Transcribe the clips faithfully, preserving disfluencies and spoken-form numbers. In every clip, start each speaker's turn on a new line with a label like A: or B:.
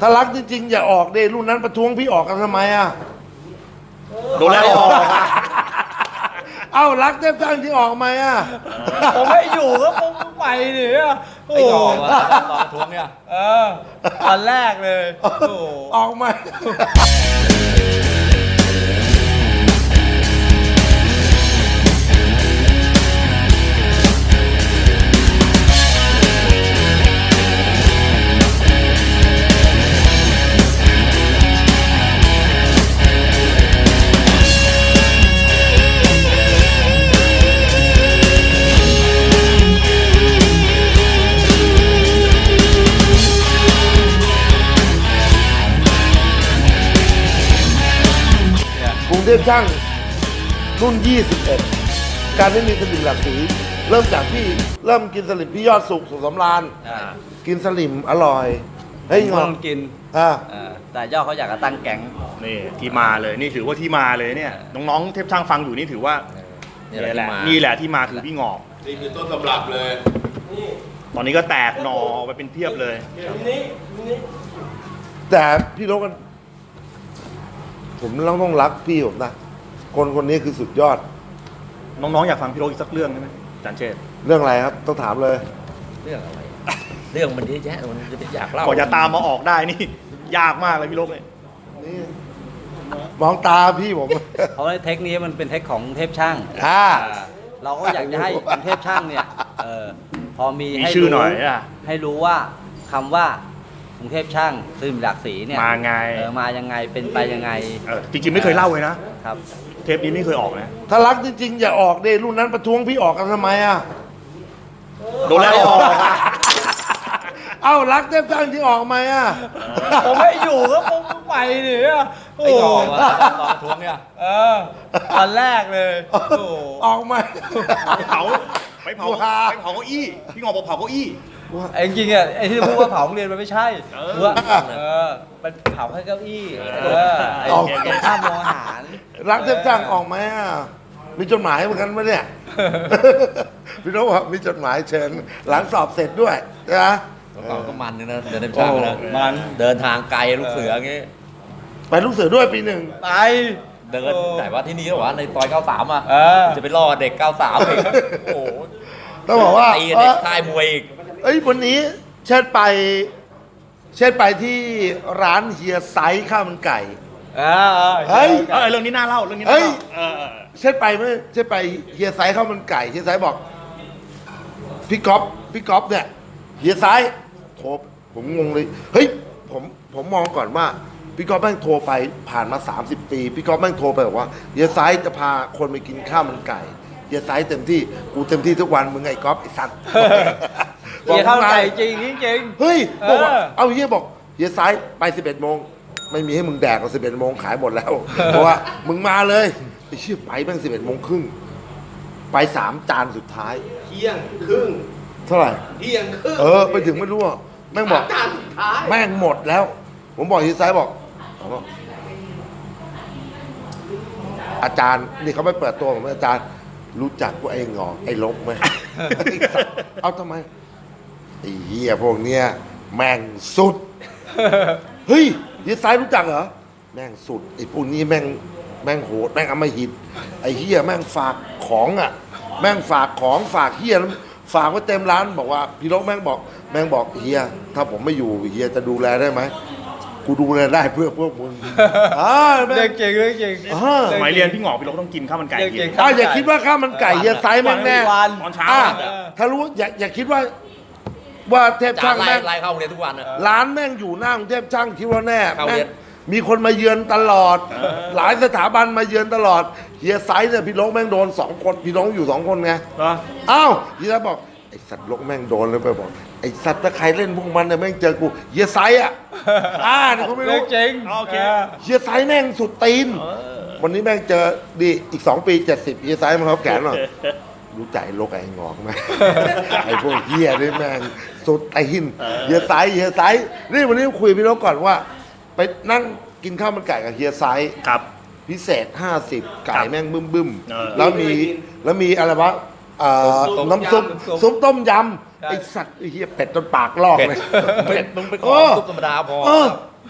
A: ถ้ารักจริงๆอย่าออกเดรุ่นนั้นประท้วงพี่ออกกันทำไมอ่ะ
B: โดนแล้วออก
A: เอ้ารักเทพช่างที่ออกไหมอ่ะ
C: ผมไม่อยู่ก็ผมไปเนี่ยโอ้
B: ไอ้
C: โห
B: ออกอะตอนประท้วงเนี่ย
C: เออตอนแรกเลยโอ้โห
A: ออกไหม กรุงเทพช่างรุ่นยี่สิบเอ็ดการไม่มีสลิมหลักสีเริ่มจากพี่เริ่มกินสลิมพี่ยอดสุขสุขสำราญ
C: อ่า
A: กินสลิมอร่อยเฮ้ย
C: ผม
A: งอ
C: ต้องกิน
A: อ่า
C: เออแต่ย่อเขาอยากจะตั้งแก๊ง
B: นี่ที่มาเลยนี่ถือว่าที่มาเลยเนี่ยน้องๆเทพช่างฟังอยู่นี่ถือว่า
C: นี่
B: นี่
C: แห
B: แห
C: ละ
B: ละ
C: ที่มา
B: นี่แหละที่มาคือพี่งอก
D: นี่คือต้นตำรับเลย
B: ตอนนี้ก็แตกหน่อไปเป็นเพียบเลย
A: แต่พี่นกกันผมต้องต้องรักพี่ผมนะคนคนนี้คือสุดยอด
B: น้องๆอยากฟังพี่โรจน์อีกสักเรื่องได้ไหมอาจารย์เชษฐ์
A: เรื่องอะไรครับต้องถามเลย
C: เรื่องอะไร เรื่องมันเยอะแยะมันจะไปอยากเล่า
B: ก่อนจะตามมาออกได้นี่ ยากมากเลยพี่โรจน์เนี่ย
A: นี่มองตาพี่ผม
C: เพราะว่าเทคนี้มันเป็นเทคของเทพช่าง
A: อ่า
C: อ่าเราก็อยากจะให้กรุงเทพช่างเนี่ยเออพอมี
B: มี
C: ให้
B: ชื่อ
C: รู้
B: หน่อยอ่ะ
C: ให้รู้ว่าคำว่ากรุงเทพช่างซึมหลากสีเนี่ย
B: มาไง
C: เออมายังไงเป็นไปยังไง
B: เออจริงๆไม่เคยเล่าเลยนะครับ เทปนี้ไม่เคยออกนะ
A: ถ้ารักจริงๆอย่าออกเดรุ่นนั้นประท้วงพี่ออกกันทำไมอ่ะ
B: โดนแล้วออก
A: เอ้ารักเทพช่างที่ออกไหมอ่ะ
C: ผมไม่อยู่ก็ผมไปเนี่ยโอ้
B: ไอ้
C: โห
B: ออกอะตอนประท้วงเนี่ย
C: เออตอนแรกเลยโอ้โห
A: ออกไหม
B: ไปเผาไปเผา
A: ว้า
B: ไปเผาเก้าอี้พี่งอกบอกเผาเก้าอี้
C: ไอ้จริงๆอ่ะไอ้ที่พูดว่าเผาโรงเรียนมันไม่ใช่
B: เออ
C: ว่าเออมันเผาแค่เก้าอี้เออไอ้
A: ออก
C: ตรงข้ามโรงอาหาร
A: รักเทพช่างออกไหมอ่ะมีจดหมายเหมือนกันไหมเนี่ย พี่นกบอกมีจดหมายเชิญหลังสอบเสร็จด้วยนะ
E: ก่อนก็มันนึงนะเดินเต็มช่างนะ
C: มัน
E: เดินทางไกลลูกเสืออย่างงี้
A: ไปลูกเสือด้วยปีหนึ่ง
C: ไป
E: เดินไหนว่าที่นี่หรอวะในซอยเก้าสามอ่ะ
C: เออ
E: จะไปล่อเด็กเก้าสามอีกโอ้โห
A: ต้องบอกว่า
E: ตี
A: เอ
E: เด็ก
A: อ
E: ค่ายมวยอีก
A: เอ้ยวันนี้เชิดไป เชิดไปที่ร้านเฮียไซส์ข้าวมันไก่
C: เออ
A: เฮ้ย
B: เออเรื่องนี้น่าเล่าเรื่องนี้น่า
A: เฮ้ย
B: เล่าเออเออ
A: เชิดไปไหมเชิดไปเฮียไซส์ข้าวมันไก่เฮียไซส์บอกพี่ก๊อฟพี่ก๊อฟเนี่ยเฮียไซส์โทรผมงงเลยเฮ้ยผมผมมองก่อนว่าพี่ก๊อฟแม่งโทรไปผ่านมาสามสิบปีพี่ก๊อฟแม่งโทรไปบอกว่าเฮียไซส์จะพาคนไปกินข้าวมันไก่เฮียไซส์เต็มที่กูเต็มที่ทุกวันมึงไอ้ก๊อฟไอ้สัตว์
C: เฮียเข้าใจจริงจริง
A: เฮ้ยบอกว่า
C: เออ
A: เอาเฮียบอกเฮียไซส์ไปสิบเอ็ดโมงไม่มีให้มึงแดกก็สิบเอ็ดโมงขายหมดแล้ว เพราะว่ามึงมาเลยไอ้เชี่ยไปแม่งสิบเอ็ดโมงครึ่งไปสามจานสุดท้าย
D: เที่ยงครึ่ง
A: เท่าไหร่
D: เที่ยงครึ่ง
A: เออไปถึงไม่รู้อ่ะแม่งบอก
D: จานสุดท้าย
A: แม่งหมดแล้ว ผมบอกเฮียไซส์บอกเอาบอกอาจารย์นี่เขาไม่เปิดตัวผมอาจารย์รู้จักว่าไอ้งอกไอ้ลบไหม เอาทำไมไอ้เหี้ยพวกเนี้ยแม่งสุด เฮ้ยเฮียไซส์รู้จักเหรอแม่งสุดไอ้พวกนี้แม่งแม่งโหดแม่งอำมหิตไอ้เฮียแม่งฝากของอ่ะ แม่งฝากของฝากเฮียแล้วฝากไว้เต็มร้านบอกว่าพี่ลกแม่งบอกแม่งบอกเฮียถ้าผมไม่อยู่เฮียจะดูแลได้ไหมกูดูแลได้เพื่อพวกมึงอ่าแม่
C: เรื่อง งจริงเรื่องจริง
A: อ่า
B: สมัยเรียนพี่งอกพี่โรจน์ต้องกินข้าวมันไก่
C: เรื่อง
B: กิ
C: จริง
B: น
A: อ่าอย่าคิดว่าข้าวมันไก่เฮียไซส์แม่งแน่
C: วัน
B: ตอนเช้า
A: อ่า
B: อะ
A: ถ้ารู้อย่าอย่าคิดว่า ว่าเทพ
E: จา
A: ช่าน ง
E: ไล่
A: แม่ง
E: ไล่เข้าโรงเรียนทุกวันอ่ะ
A: ร้านแม่งอยู่หน้ากรุงเทพช่างคิดว่าแน่
E: เข้า
A: แม่
E: เรี
A: ง
E: ยน
A: มีคนมาเยือนตลอด หลายสถาบันมาเยือนตลอดเฮียไซส์เนี่ยพี่ลกแม่งโดนสองคนพี่ลกอยู่สองคนไง
B: เหรอ
A: อ้าวเฮียบอกไอสัตว์ลกแม่งโดนเลยไปบอกไอสัตว์ถ้าใครเล่นพวกมันเนี่ยแม่งเจอกูเฮียไซส์อ่ะอ่าเนี่ยเขาไม่
C: เรื่อ
A: รู้
C: งจริง
B: โอเค
A: เฮียไซส์แม่งสุดตีนวันนี้แม่งเจอดีอีกสองปีเจ็ดสิบเฮียไซส์มันเขาแขนหน่อยรู้ใจลกไอ้งอกไหม ไอ้พวกเฮียนี่แม่งสุดตีนเฮียไซส์เฮียไซส์นี่วันนี้คุยกับพี่ลกก่อนว่า ไปนั่งกินข้าวมันไก่กับเฮียไซส์
B: ครับ
A: พิเศษห้าสิบไก่แม่งบึ้มบึ้มๆ
B: เออ
A: แล้วมีแล้วมีอะไรวะเอ่อน้ำซุปซุปต้มยำไอสัตว์ไอ้เฮียเป็ดจนปากลอกเลย
E: เป็ดมึงไปขอ
A: เออ
E: ซุปธรรมดาพอ
A: เออ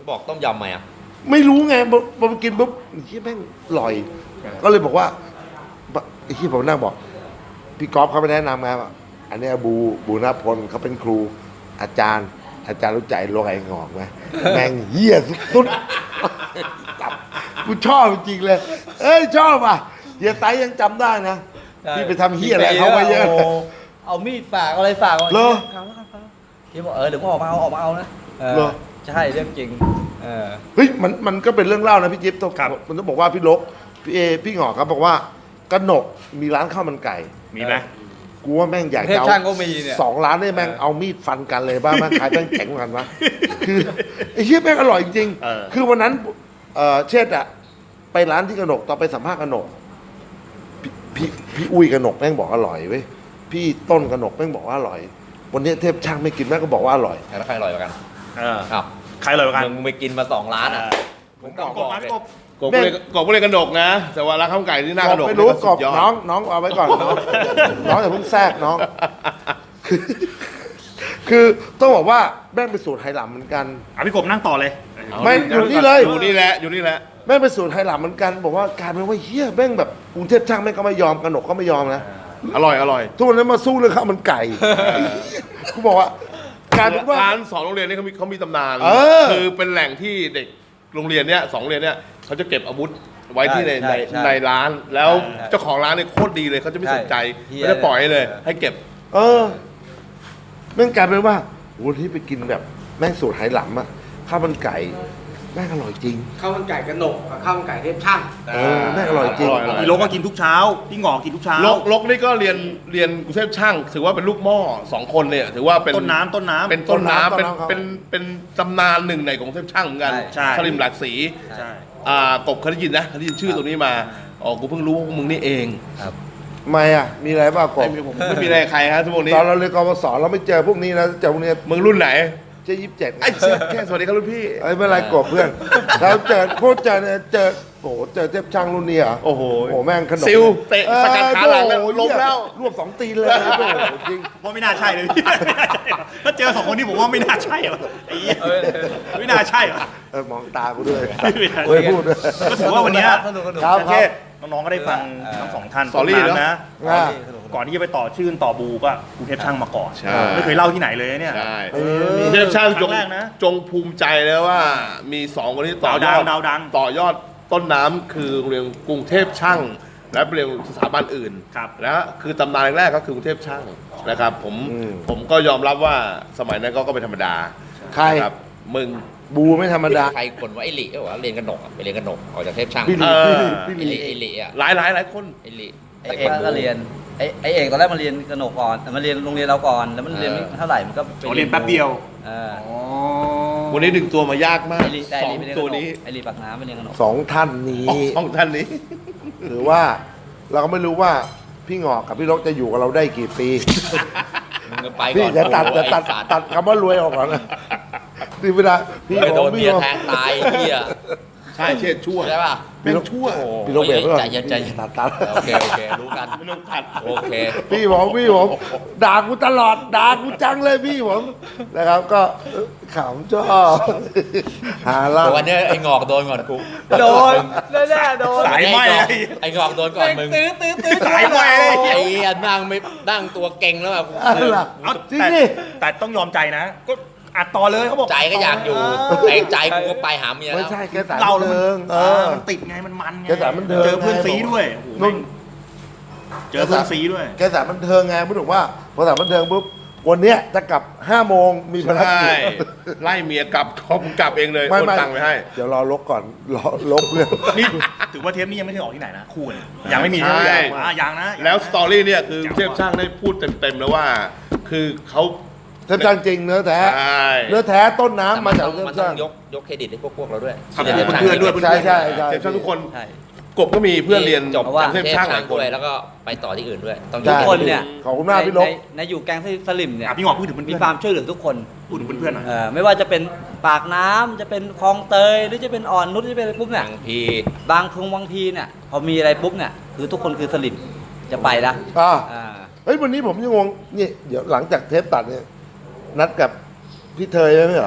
E: บอกต้มยำไหมอ่ะ
A: ไม่รู้ไงพอพอไปกินปุ๊บไอ้เหี้ยแม่งอร่อย ก็เลยบอกว่าไอ้ที่ผมนั่งบอก พี่ก๊อฟเขาไปแนะนำไงว่าอันเนี้ยบูบูนาพลเขาเป็นครูอาจารย์ อาจารย์รู้ใจโลกไอ้งอกไหมแม่งเหี้ยสุดๆจับกูชอบจริงๆเลย เอ้ยชอบอ่ะเฮียไตยังจำได้นะที่ไปทำเหี้ยอะไรเขาไปเยอะ
C: โเอามีดฝากอะไรฝากไว้
A: เหรอ
C: เอาแล้วกันพี่บอกเออเดี๋ยวผมออกมาเอาออกมาเอานะเออ
A: เหรอ
C: ใช่เรื่องจริงเออ
A: เฮ้ยมันมันก็เป็นเรื่องเล่านะพี่จิ๊บต้อง
B: ครับ
A: มันต้องบอกว่าพี่ลกพี่เอพี่หงอกครับบอกว่ากนกมีร้านข้าวมันไก่
B: มีไหม
A: กูว่าแม่งอยาก
C: เทพ
A: จะเอา
C: ช่างก็มีเนี่ย
A: สองร้านได้แม่ง
C: เออ
A: เอามีดฟันกันเลยบ้างแม่งขายแม่งแข็งกันวะคือไอ้เหี้ยแม่งอร่อยจริง
B: เออ
A: ๆคือวันนั้นเอ่อเช่ดอะไปร้านที่กนกตอนไปสัมภาษณ์กนกพี่พี่พี่อุ้ยกนกแม่งบอกอร่อยเว้ยพี่ต้นกนกแม่งบอกว่าอร่อย วันนี้เทพช่างไม่กินแม่งก็บอกว่าอร่อย
E: แล้วใครอร่อยกว่ากัน
B: เออ
E: อ้าว
B: ใครเลยกัน
E: มึงไปกินมาสองร้านอ่ะ
B: ผมกบกบมาพี่กบ
D: กบก็เลยกบก็เลยกระดกนะ แต่ว่าร้านข้าวมันไก่ที่หน้ากระดก
A: ไม่รู้
D: นี่
A: กรอบ
D: สุดยด
A: น้องน้องเอาไว้ก่อนน้องน้องอย่าเพิ่งแทรกน้อง คือคือต้องบอกว่าแม่งเป็นสูตรไหหลำเหมือนกัน
B: อ่ะพี่กบนั่งต่อเลย
D: เอา
A: ไม่อยู่นี่เลย
D: อยู่นี่แหละอยู่นี่แหละ
A: แม่งเป็นสูตรไหหลำเหมือนกันบอกว่ากลารเป็นว่าเฮียแม่งแบบกรุงเทพช่างแม่งก็ไม่ยอมกนกก็ไม่ยอมนะ
D: อร่อยอร่อย
A: ทุกวันนี้มาสู้เรื่องข้าวมันไก่กูบอกว่ากลารเป็นว่า
D: ร้านสองโรงเรียนนี้เขามีเขามีตำนาน
A: เออ
D: คือเป็นแหล่งที่เด็กโรงเรียนเนี้ยสองโรงเรียนเนี้ยเขาจะเก็บอาวุธไว้ที่ใน
C: ใช่
D: ใน
C: ใช่
D: ในร้าน แล้ว
C: ใช่
D: เจ้าของร้านเนี่ยโคตรดีเลยเขาจะไม่สนใจ
C: ใช่
D: ไม่ได้ปล่อยให้เลย
C: เออ
D: ให้เก็บ
A: เออแม่งกลายเป็นว่าวันที่ไปกินแบบแม่งสูตรไหหลำอะข้าวมันไก่แม่งอร่อยจริง
F: ข้าวมันไก่กระหนกกับข้าวมันไก่เทพช่าง
A: เออแม่งอร่อยจริง
D: อร่อยอร่อย
B: พี่โลก็กินทุกเช้าพี่หงอกินทุกเช้า
D: ลกลกนี่ก็เรียนเรียนกรุงเทพช่าง ถือว่าเป็นลูกหม้อสองคนเนี่ยถือว่าเป็น
B: ต้นน้ำต้นน้ำ
D: เป็นต้นน้ำ
A: ต้
D: เป็น
A: นน้ำครับ
D: เป็นเป็นตำนานหนึ่งในของกรุงเทพช่างเหมือนกัน
B: ใช่
D: สลิมหลักสี
B: ใช่
D: อ่ากบเคยได้ยินนะเคยได้ยินชื่อตัวนี้มาอ๋อกูเพิ่งรู้ว่าพวกมึงนี่เอง
A: ทำไมอะมีอะไรบ้างกบ
D: ไม่มีผมไม่มีอะไรกับใครฮะทุกคนนี้
A: ตอนเราเรียนกบศเราไม่เจอพวกนี้นะเจอพวกนี้
D: มึงรุ่นไหน
A: เจ๊ยี่สิบเจ็ด
D: ไอ้เชี่ยแค่สวัสดีครับรุ่นพี่
A: ไอ้ไม่เป็นไรกบเพื่อนเราเจอพวกเจอเนี่ยเจอโอ้โหเจอเทพช่างรุ่นนี้เหรอ
D: โอ้โห
A: โอ้โหแม่งขนม
D: ซิลเตะสกัดขาหลังแล้ว
A: โอ้โ
D: ล้มแล้ว
A: รวบสองตีนเลยนะโอ้โหจริง
B: ว่าไม่น่าใช่เลยพี่ไม่น่าใช่หรอถ้าเจอสองคนนี้ผมว่าไม่น่าใช่หรอไอ้เหี้ยไม่น่าใช่หรอ
A: เออมองตากูด้วย
B: ไม่น่า
A: โอ้ยพูดด้วย
B: ก็ถือว่าวันเนี้ย
C: สนุกสนุก
A: ครับ
B: โอเคน้องๆก็ได้ฟังทั้งสองท่าน
D: สอรี่
B: ต้น
D: เนอะ
B: น้ำนะ
A: อ่า
B: ก่อนที่จะไปต่อชื่นต่อบูก็กรุงเทพช่างมาก่อน
D: ใช่
B: ไม่เคยเล่าที่ไหนเลยเนี่ย
D: ใช่
A: เออ
D: กรุงเทพช่างจง
B: ครั้งแรกนะ
D: จงภูมิใจเลยว่ามีสองคนที่ต่อยอ
B: ดาว
D: ด
B: ดังดาวดัง
D: ต่อยอดต้นน้ำคือโรงเรียนกรุงเทพช่าง และเรียนสถาบันอื่น
B: ครับ
D: และคือตำนานแรกก็คือกรุงเทพช่างนะครับผม
A: อืม
D: ผมก็ยอมรับว่าสมัยนั้นก็ก็เป็นธรรมดา
A: ใคร
D: นะครับมึง
A: บูไม่ธรรมดา
E: ใครคนว่าไอ้หลีก็บอกว่าเรียนกระหนกอะไปเรียนกระหนกออกจากเทพช่าง
A: พี่หลี
D: เออ
A: พี่ห
E: ไอ้
A: ลี
E: หลี
A: พี่หลี
E: ไอ้หลีอ่ะ
D: หลายหลายหลายคน
E: ไอ้หลี
C: ไอ้เอกก็เรียนไอ้ไอ้เอกตอนแรกมันเรียนกระหนกก่อนแต่มันเรียนโรงเรียนเราก่อนแล้วมันเรียนไม่เท่าไหร่มันก็ไป
B: อ๋อเรียนแป๊บเดียว
C: เออ
D: วันนี้ดึงตัวมายากมาก
C: ไอ้ลีแต่
D: ส
C: ไอ้
D: อง
C: ลีไปเรียนก
D: ตัว
C: ระหนก
D: นี้
C: ไอ้ลีปากน้ำไปเรียนกระหนก
A: สองท่านนี้
D: สองท่านนี้
A: หรือว่าเราก็ไม่รู้ว่าพี่หงอกกับพี่ลกจะอยู่กับเราได้กี่ปี
E: มึงก็ไป
A: พี่
E: ก่อน
A: จะตัดจะตัด
E: ไอ้สัตว์
A: ตัดคำว่ารวยออกก่อนนะนี่เวลาพี่
E: ไปโดน
A: พี่
E: เมีย
A: บอก
E: แทงตายไอ้เหี้ย
D: ใช่เช็ดชั่ว
E: ใช่ป่ะ
A: พี่ลก
D: ชั่ว
A: พี่ลกเบรกไว้ก่อน
E: ใจเย็นใจเย็น
A: ตัดตัด
E: โอเคโอเครู้กัน
D: ไม่ต้องตัด
E: โอเค
A: พี่ผมพี่ผมด่ากูตลอดด่ากูจังเลยพี่ผมนะครับ ก็ขำชอบหาล่า
E: แต่วันนี้ไอ้งอกโดนก่อนกู
C: โดนแน่ๆโดน
B: สายไหม้
E: ไอ้งอกโดนก่อนมึง
C: ตื้อตื้อตื้อ
B: สายไหม้เลย
E: ไอ้เหี้ยนั่งไม่นั่งตัวเก่งแล้วแบบ
A: อะไรล่ะ
B: เอา
A: จริง
B: แต่
A: ดิ
B: แต่ต้องยอมใจนะ ก็อัดต่อเลยเขาบอก
E: ใจก็อยากอยู่แต่ใจกูก็ไปหาเมีย
A: ไม่
E: แล้ว
A: ใช่แกสาย
B: เรา
A: บัน
B: แล้ว
A: เทิง
B: มัน
A: เอ
B: เอ
A: อ
B: อมันติดไงมันมันไง
A: แกสายบันเทิง
B: เจอเพื่อน
A: ไง
B: ซีด้วยโอ้โห
A: นุ่น
B: เจอเพื่อนซีด้วย
A: แกสายบันเทิงไงพูดถึงว่าพอสายบันเทิงปุ๊บวันเนี้ยจะกลับห้าโมงมีภาร
D: ใช่
A: กิจ
D: ไล่เมียกลับเขากลับเองเลย
A: ไม่
D: โอน
A: ไม่
D: ตังค์ไปให้
A: เดี๋ยวรอลกก่อนรอลกเรื่อง
B: นี่ถือว่าเทปนี้ยังไม่ได้ออกที่ไหนนะคู่เนี่ยยังไม่มี
D: ใช่
B: ใช่ไหมอ่ะยังนะ
D: แล้วสตอรี่เนี่ยคือเทพช่างได้พูดเต็มๆแล้วว่า คือเขา
A: เทพช่างจริงเนื้อแท้
D: ใช่
A: เนื้อแท้ต้น
E: แต่
A: น้ำ
E: มั
A: มาน
E: ต้
A: จา
E: อก ง
A: เทพ
E: มันต้อ
A: ช่าง ง
E: ยกยกเครดิตให้พวกพวกเราด้วย
B: ครับ
E: ที่รีย
B: เพื่อนๆด้วย
A: ใช่ใช่ใช่
D: เทพช่างทุกคน
C: ใช่
D: กบก็มีเพื่อนเรียน
E: จบ
C: เพราะว่า
E: จาก
D: เท
E: เท
D: พ
E: พ
D: ช่างห
E: ช่า
D: ลาง ยค
E: ด้วน ยแล้วก็ไปต่อที่อื่นด้วย ต้องย
A: ใช่
E: ก
C: ทุกคนเนี่ย
A: ขอบคุณมากพี่ลก
C: ในในอยู่แก๊งสลิมเนี่ย
B: อ่ะพี่หงอกพูดถึงเพื่อน
C: มี
B: ๆ
C: ความช่วยเหลือทุกคน
B: พูดถึงเพื่อนๆหน่อย
C: เออไม่ว่าจะเป็นปากน้ำจะเป็นคลองเตยหรือจะเป็นอ่อนนุชหรือจะเป็นอะไรปุ๊บเนี่ย
E: บางที
C: บางคงบางทีเนี่ยพอมีอะไรปุ๊บเนี่ยคือทุกคนคือสลิมจะไปละ
A: อ่า
C: อ่า
A: เฮ้ยวันนี้ผมยังงงนี่เดี๋ยวหลังจากเทปตัดเนี่ยนัดกับพี่เทยไหมเหรอ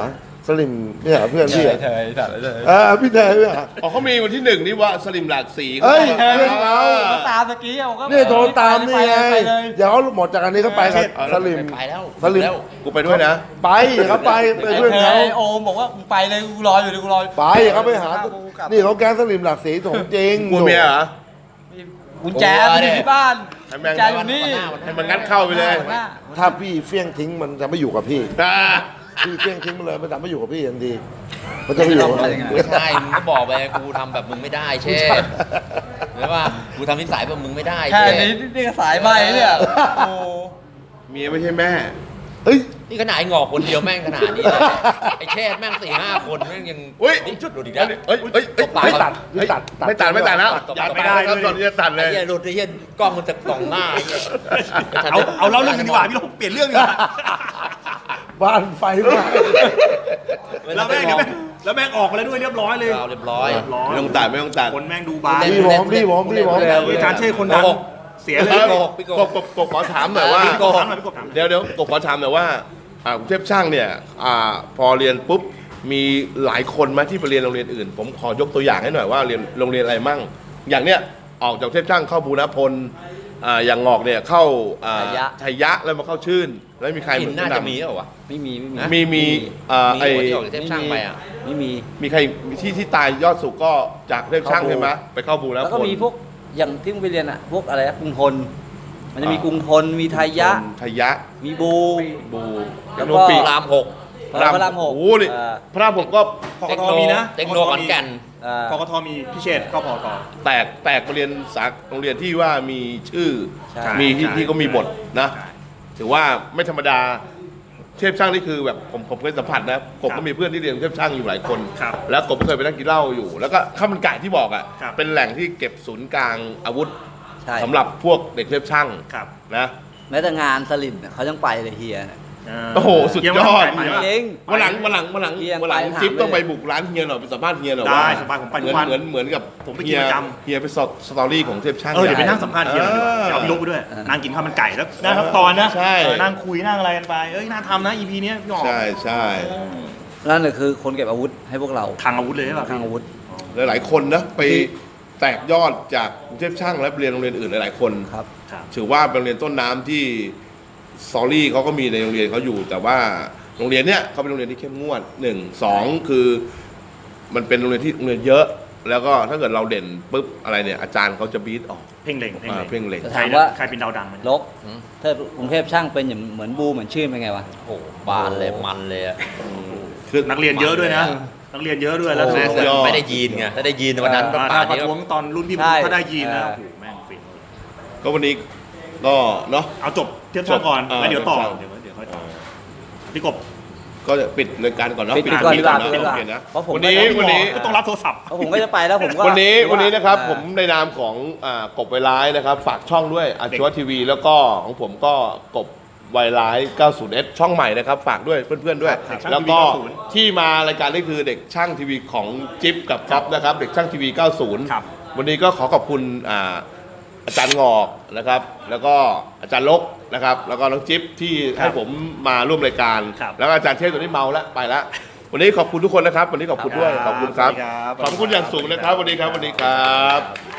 A: สลิมเนี่ยเพื่อนพี่
E: เฉ
A: อะ
E: ยเฉยจัดเลย
A: เออพี่เทยพี่อะ
D: อ๋อเขามีวันที่หนึ่งนี่ว่าสลิมหลากสี
A: เอ้ยเพื่อนเรา
C: ก็ตามตะกี้ผมก็
A: นี่โทรตามนี่ไง
C: ไปเลย
A: เดี๋ยวหมดจากอันนี้ก็ไปกับสลิม
E: ไปแล้ว
A: สลิม
E: แล้ว
D: กูไปด้วยนะ
A: ไปเขาไปไปเพื่อน
C: ไอ้
A: เขา
C: ไอ้โอมบอกว่ามึงไปเลยกูรออยู่ดิกูรอ
A: ไปเขาไปหา นี่เขาแก๊งสลิมหลักสีของจริง
D: กลัวเมียเหรอ
C: กุญแจมันอยู่ที่บ้าน
D: ให้แม่
C: กุ
D: ง
C: ญแจอยู่นี่
D: ให้มันงัดเข้าไปเลย
C: หน้า
A: ถ้าพี่เฟี้ยงทิ้งมันจะไม่อยู่กับพี่
D: อ่า
A: พี่เฟี้ยงทิ้งมันเลยมันจะไม่อยู่กับพี่ทันทีมันจะไม่อยู่กับพี่
E: ไม่ใช่มึงก็บอกไปกูทำแบบมึงไม่ได้เช่หรือว่ากูทำนิสัยแบบมึงไม่ได้
C: แค่
E: เช่
C: นี้นี่ก็สายใบเนี่ยโอ้
D: เมียไม่ใช่แม่
A: เฮ้ย
E: นี่ขนาดไอ้งอกคนเดียวแม่งขนาดนี้เลยไอ้แช่แม่งสี่ห้าคนแม่งยัง
D: เฮ้ย
E: นี่จุดหลุดอีกแล้ว
D: เอ้ยเอ้ยเอ้ย
E: ตบปาก
A: ไม่ตัดไม่ตัด
D: ไม่ตัดไม่ตัดแล้ว
E: ตัด
D: อย่า
E: ตัด
D: ไม่ได้แล้วตอนนี้จะตัดเล
E: ไอ้
D: ย
E: เหี้ยหลุดไอ้เหี้ยกล้องมันจะส่องหน้าไอ้เหี้ย
B: เอาเอาเล่าเรื่องกันดีกว่าพี่ลงเปลี่ยนเรื่องดีกว่า
A: บ้านไฟไหม้
B: แล้วแม่งเดี๋ยวแม่งแล้วแม่งออกมาแล้วด้วยเรียบร้อยเลย
E: เราเรียบร้อย
B: เรียบร้อย
D: ไม่ต้องตัดไม่ต้องตัด
B: คนแม่งดูบาร์
A: พี่ผมพี่ผมพี่ผม
B: อาจารย์เช่คนดังเสียเลย
D: เอ้ย
E: โกหกพี่โกห
D: ก
E: ก
D: บกบกบขอถามหน่อยว่า
E: พี่โกหก
B: ถามหน่อยพี่กบถามหน่อย
D: เดี๋ยวเดี๋ยวกบขอถามหน่อยว่าอ่ากรุงเทพช่างเนี่ยอ่าพอเรียนปุ๊บมีหลายคนไหมที่ไปเรียนโรงเรียนอื่น ผมขอยกตัวอย่างให้หน่อยว่าเรียนโรงเรียนอะไรมั่ง อย่างเนี้ยออกจากกรุงเทพช่างเข้าบูรณพลอ่าอย่างงอกเนี่ยเข้าอ่า
C: ชัยยะ
D: ชัยยะแล้วมาเข้าชื่น แล้วมีใคร
E: กินน่าจะมี
D: แนะ
E: เหรอวะ
C: ไม่มีไม่มี
E: นะ
D: มีมีอ่า
E: มี
D: ไอ้
E: หัวที่ออกจากเทพช่างไปอ่ะ
C: ไม่มี
D: มีใครที่ที่ตายยอดสุกก็จากเทพช่าง
C: เข้าบู
D: ใช่ไหมไปเข้าบูรณพล
C: แล้วก็มีพวกอย่างที่มึงไปเรียนอ่ะพวกอะไรนะกรุงทนมันจะมีกรุงทนมีไทยยะ
D: ชัยยะ
C: มีบู
D: บู
C: แล้วก็
D: โรปี
E: รามหก
C: พระรามหก
D: โอ้โหนี่
C: เออ
D: พระรามหกก็
B: พกทมีนะ
E: เทคโนขอนแก่น
C: เอ่อ
B: พกทมีพิเชษเข้าพกท
D: แตกแตกมาเรียนสาโรงเรียนที่ว่ามีชื่อ
C: ใช่
D: มีที่
B: ใช่
D: ที่ก็มีบทนะ
B: ใช่
D: ถือว่าไม่ธรรมดาเทพช่างนี่คือแบบผมผมเคยสัมผัสนะผมก็มีเพื่อนที่เรียนเทพช่างอยู่หลายคน
B: ครับ
D: แล้วผมก็เคยไปนั่งกินเหล้าอยู่ แล้วก็ข้าวมันไก่ที่บอกอ่ะ
B: ครับ
D: เป็นแหล่งที่เก็บศูนย์กลางอาวุธ
C: ใช่
D: สำหรับพวกเด็กเทพช่าง
B: ครับ
D: นะ
C: แม้แต่งานสลิมเนี่ยเขายังไปเลยเฮียเนี่ย
D: โอ้โหสุดยอด
B: เยี่ยมมากไปปะ
C: จริง
D: วันหลังวันหลังวันหลัง
C: เฮีย
D: วันหลัง
C: ไปถาม
D: จิ๊บต้อง
C: เลย
D: ไปบุกร้านเฮียหน่อยไปสัมภาษณ์เฮียหน่อย
B: ได้
D: ว่า
B: สบายผมไป
D: เห
B: ทุ
D: มื
B: ก
D: อน
B: วัน
D: เหมือนเหมือนกับ
B: ผมไปกิน
D: เฮีย
B: ประจำ
D: เฮียไปสอดสตอรี่ของเทพช่าง
B: เออเดี๋ยวไปนั่งสัมภาษณ์เฮียหน่อยเดี๋ยวเอาพี่ลกไปด้วยนั่งกินข้าวมันไก่แล้วนั่งทั้งตอนนะ
D: ใช่
B: เออนั่งคุยนั่งอะไรกันไปเอ้ยน่าทำนะ อี พี เนี้ยพี่หอม
D: ใช่ใช่
C: นั่นแหละคือคนเก็บอาวุธให้พวกเรา
B: ทางอาวุธเลยใช่ป่ะ
C: ทางอาวุธ
D: หลายๆคนนะไปแตกยอดจากกรุงเทพช่างและเรียนโรงเรียนอื่นหลายๆคน
C: ครับ
B: ครับ
D: ถือว่าเป็นโรงเรียนต้นน้ำที่สตอรี่เขาก็มีในโรงเรียนเขาอยู่ แต่ว่าโรงเรียนเนี้ยเขาเป็นโรงเรียนที่เข้มงวดหนึ่งสองคือมันเป็นโรงเรียนที่โรงเรียนเยอะ แล้วก็ถ้าเกิดเราเด่นปุ๊บอะไรเนี่ยอาจารย์เขาจะบีทออก
B: เพ่งเล็งเพ่ง
D: อ่า
B: เล็ง
D: เพ่งเล็ง
C: จะ
B: ใคร
C: ถาม
B: นะ
C: ว่า
B: ใครเป็นดาวดังไหม
C: ลกถ้ากรุงเทพช่างเป็นอย่างเหมือนบูเหมือนชื่นเป็นไงวะ
E: โอ้โหบานเลยมันเลยอะ
D: คือ
B: นักเรียนเยอะด้วยนะ นักเรียนเยอะด้วยแล้ว
E: แม่
B: โอ้
E: ง
B: โห
E: ไม่ได้ยีนไงถ้าได้ยีนวันนั้น
C: เออ
E: ป่า
B: ถ้าน ประ
E: นี้
B: ท้วงตอนรุ่นพี่
C: ใช่
B: ถ้าได้ยีนนะ
C: เออ
B: โอ้โหแม่งฟิน
D: ก็วันนี้ก็เนาะ
B: เอาจบเทียบช่างก่อน
D: จบ
B: แล้วเดี๋ยวต่อ
D: เทียบช่าง
B: เดี๋ยวเดี๋ยวค่อยต่อพี่กบ
D: ก็จะปิดรายการก่อนเนาะ
C: ปิดก่อนดีกว่า
D: ปิ
C: ปิดก่อน
D: โอเคนะ
C: เพราะผม
D: วันนี้
C: ก็จะ
D: วันนี้
B: ก็ต้องรับโทรศัพท์
C: เพราะผมก็จะไปแล้วผมก็
D: วันนี้วันนี้นะครับ
C: อ่า
D: ผมในนามของอ่ากบไวร้ายนะครับ ฝากช่องด้วยอาชีวะทีวี แล้วก็ของผมก็กบไวร้าย เก้าสิบเอส ช่องใหม่นะครับ ฝากด้วยเพื่อนๆด้วย
B: ครับช่าง
D: แล้วก็
B: ทีวีเก้าสิบ
D: ที่มารายการนี้คือเด็กช่างทีวีของจิ๊บกับก๊อฟนะครับ เด็กช่างทีวี เก้าสิบ
B: ครับ
D: วันนี้ก็ขอขอบคุณอ่าอาจารย์งอกนะครับ แล้วก็อาจารย์ลกนะครับ แล้วก็น้องจิ๊บที่ให้ผมมาร่วมรายการ
B: ครับ
D: แล้วก็อาจารย์เทพตัวนี้เมาแล้วไปแล้ววันนี้ขอบคุณทุกคนนะครับ วันนี้ขอบคุณด้วยขอบคุณครับ
B: สวัสดีครับ
D: ขอบคุณอย่างสูงนะครับวันนี้ครับวันนี้ครับ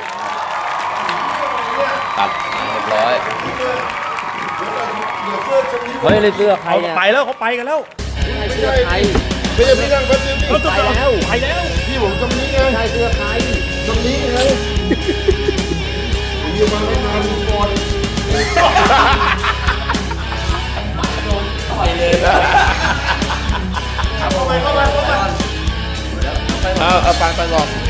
D: ตัด
E: เรียบร้อย
C: เฮ้ยเลยเสื้อใคร
B: เขา
C: เนี่ย
B: ไปแล้วเขาไปกันแล้ว
C: เสื้อใคร
A: ไม่ใช่พี่นั่งแป๊บนึง
B: เขาจะไปแล้วไปแล้ว
A: พี่ผมตรงนี้ไง
C: ใครเสื้อใคร
A: ตรงนี้ไงอยู่มาตั้งนานก่อน
D: เอาเอาไปไปก่อน